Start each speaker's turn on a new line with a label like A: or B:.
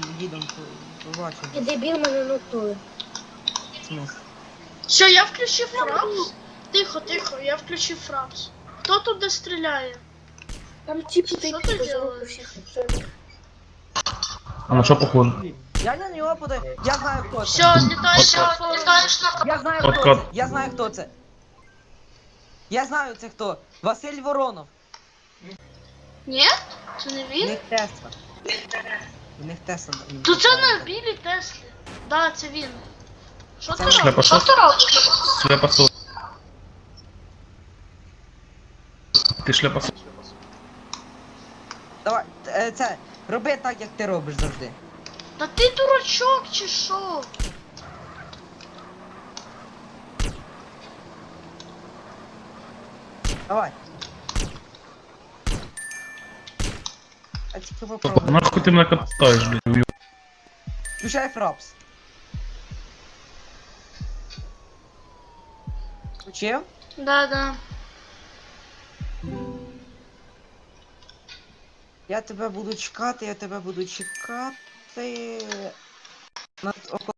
A: їдемо, побачимо.
B: І дебіл мене нотує.
A: В смысле?
C: Все, я включив фрапс. Тихо, тихо, я включив фрапс. Хто туди стріляє?
B: Там типу
C: Що
B: ти
C: ти
B: позову
C: робиш?
B: всіх.
D: А на що похоже?
A: Я на нього подаю. Я знаю хто це.
C: Все, злітаєш на форум.
A: Я знаю
D: От
A: хто
D: кот.
A: це. Я знаю хто це. Я знаю це хто. Василь Воронов.
C: Ні? Це не
A: У
C: він?
A: них Тесла. У них Тесла.
C: То це на білій Теслі. Да, це він. Що ти
D: Шляпа
C: робиш?
D: що?
C: Що ти робиш?
D: Шляпасу. Ти шляпасу.
A: Давай, це, роби так, як ти робиш завжди.
C: Та ти дурачок чи що?
A: Давай. А тільки попробуй.
D: Нахуй ти мене катаєш, блядь, уйоб.
A: Включай фрапс. Включив?
C: Да, да.
A: Я тебе буду чекати, я тебе буду чекати. Около